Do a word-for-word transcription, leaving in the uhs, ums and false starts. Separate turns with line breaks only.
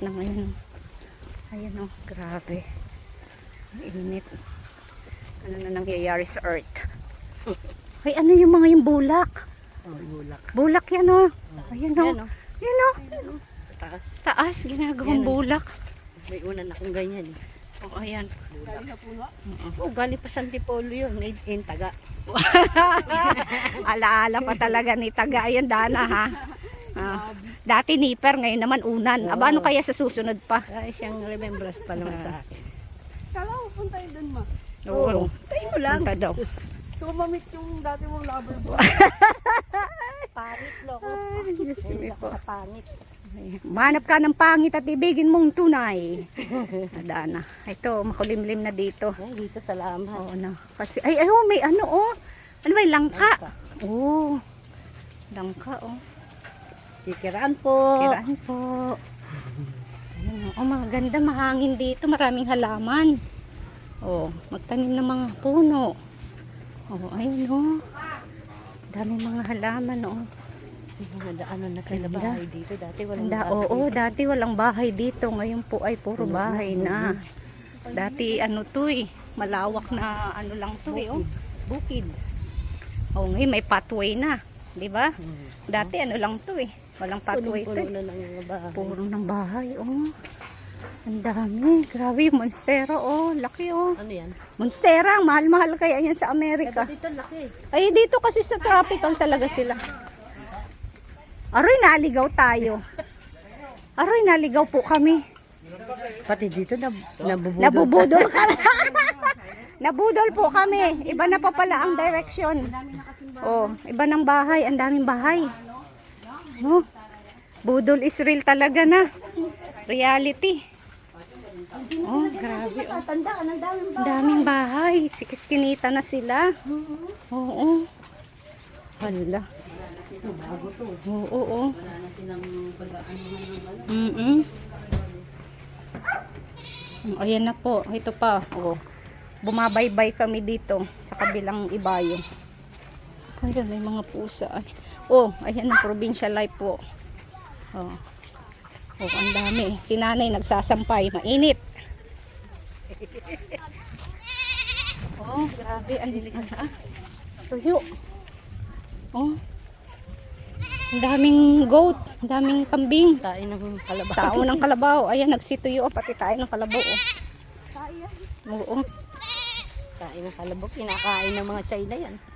na ngayon. Ayan o, grabe. Ang init. Ano na nangyayari sa earth? Ay, ano yung mga yung bulak?
Oh, bulak.
Bulak yan o. Ayan o.
Yan, oh.
Yan o.
Taas.
Taas, ginagawang
Yan, oh.
bulak.
May una na akong ganyan. Eh.
O, ayan.
Galing na puno? Oo, galing pa sa Antipolo yun. Made in Taga.
Alaala pa talaga ni Taga. Ayan, Dana ha. Ah, dati nipper, ngayon naman unan. Aba, ano kaya sa susunod pa?
Ay, siyang remembrance pa naman sa akin.
Kala ko punta yun dun, ma.
Oo.
Tayo mo lang.
Punta daw.
So, mamit yung dati mong lover boy.
Pangit, loko.
Ay, Diyos ko
Ay,
po.
sa pangit.
Manap ka ng pangit at ibigin mong tunay. Adana. Ito, makulimlim na dito.
Ay, dito salamat.
Oo na. Kasi, ay, ay, oh, may ano, oh. Ano ba, yung langka? Oo. Langka, oh.
Kikiraan po.
Kiraan po. Ayun, oh, maganda, mahangin dito. Maraming halaman. Oh, magtanim ng mga puno. Oh, ayun, oh. Daming mga halaman, oh.
Mga daanan na sila
Ganda.
bahay dito. Dati walang
Ganda,
bahay
oo,
dito.
dati walang bahay dito. Ngayon po ay puro bahay na. Dati ano to eh, malawak na ano lang to eh, oh. Bukid. Oh, ngayon may pathway na, 'di ba? Dati ano lang to eh, walang pathway to.
Puno
Eh.
na ng mga bahay.
Puro ng bahay, oh. Ang dami, grabe, monstera, oh, laki oh.
Ano yan?
Monstera, mahal-mahal kaya yan sa Amerika.
Dito laki.
Ay, dito kasi sa tropical talaga sila. Aroy, naligaw tayo. Aroy, naligaw po kami.
Pati dito na nabubudol.
Nabubudol ka. Nabudol po kami. Iba na pa pala ang direction. Oh, iba ng bahay. Ang daming bahay. Oh, budol is real talaga na. Reality. Oh, grabe. Oh. Ang daming bahay. Sikis-kinita na sila. Oo. Hala. Oo, oo. Mm-mm. Ayan na po. Ito pa. Oh. Bumabaybay kami dito sa kabilang ibayo. Ayan, may mga pusa. Ay. Oh, ayan ang provincial life po. Oh. Oh, ang dami. Si nanay nagsasampay. Mainit. Oh, grabe. Ang ah, tuyo. Oh. Ang daming goat, ang daming kambing.
Tain ng kalabaw.
Tao ng kalabaw. Ayan, nagsituyo. Pati tayo ng kalabaw. Oh. Oo.
Tain ng kalabaw. Kinakain ng mga China yan.